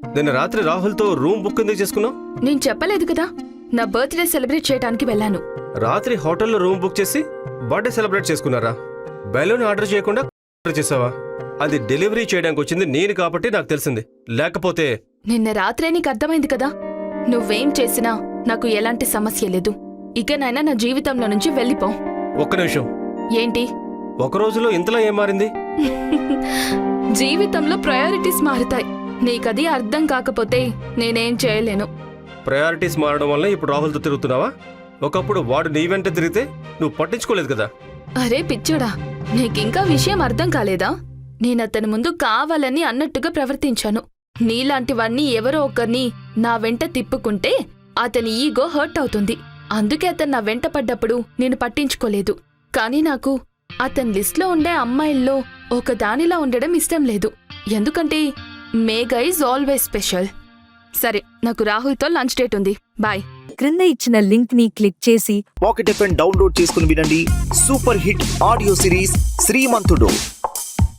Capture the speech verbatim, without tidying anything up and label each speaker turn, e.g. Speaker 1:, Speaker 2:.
Speaker 1: నిన్న రాత్రి రాహుల్తో room book ఎందుకు చేసుకున్నావు?
Speaker 2: నేను చెప్పలేదు కదా, నా బర్త్డే సెలబ్రేట్ చేయడానికి వెళ్ళాను.
Speaker 1: రాత్రి హోటల్లో రూమ్ బుక్ చేసి బర్త్డే సెలబ్రేట్ చేసుకున్నారా? బెలూన్ ఆర్డర్ చేయకుండా ఆర్డర్ చేసావా? అది డెలివరీ చేయడానికి వచ్చింది నేను కాబట్టి నాకు తెలిసింది, లేకపోతే...
Speaker 2: నిన్న రాత్రే నీకు అర్థమైంది కదా, నువ్వేం చేసినా నాకు ఎలాంటి సమస్య లేదు. ఇకనైనా నా జీవితంలో నుంచి వెళ్ళిపో.
Speaker 1: ఒక్క నిమిషం.
Speaker 2: ఏంటి?
Speaker 1: ఒక రోజులో ఇంతలా ఏం మారింది?
Speaker 2: జీవితంలో ప్రయారిటీస్ మారుతాయి. నీకది అర్థం కాకపోతే నేనేం చేయలేను.
Speaker 1: ప్రయారిటీస్ మారడం వల్ల ఇప్పుడు రాహుల్తో తిరుగుతున్నావా? ఒకప్పుడు వాడు నీ వెంట తిరిగితే నువ్వు పట్టించుకోలేదు కదా.
Speaker 2: అరే పిచ్చోడా, నీకింకా విషయం అర్థం కాలేదా? నేనతని ముందు కావాలని అన్నట్టుగా ప్రవర్తించాను. నీలాంటివన్నీ ఎవరో ఒకరిని నా వెంట తిప్పుకుంటే అతని ఈగో హర్ట్ అవుతుంది. అందుకే అతను నా వెంట పడ్డప్పుడు నేను పట్టించుకోలేదు. కానీ నాకు అతని లిస్ట్లో ఉండే అమ్మాయిల్లో ఒక దానిలా ఉండడం ఇష్టం లేదు. ఎందుకంటే మేఘా ఈజ్ ఆల్వేస్ స్పెషల్. సరే, నాకు రాహుల్తో లంచ్ డేట్ ఉంది. బాయ్.
Speaker 3: క్రింద ఇచ్చిన లింక్ ని క్లిక్ చేసి
Speaker 4: పాకెట్ ఎఫ్ ఎం డౌన్లోడ్ చేసుకుని వినండి సూపర్ హిట్ ఆడియో సిరీస్ శ్రీమంతుడు.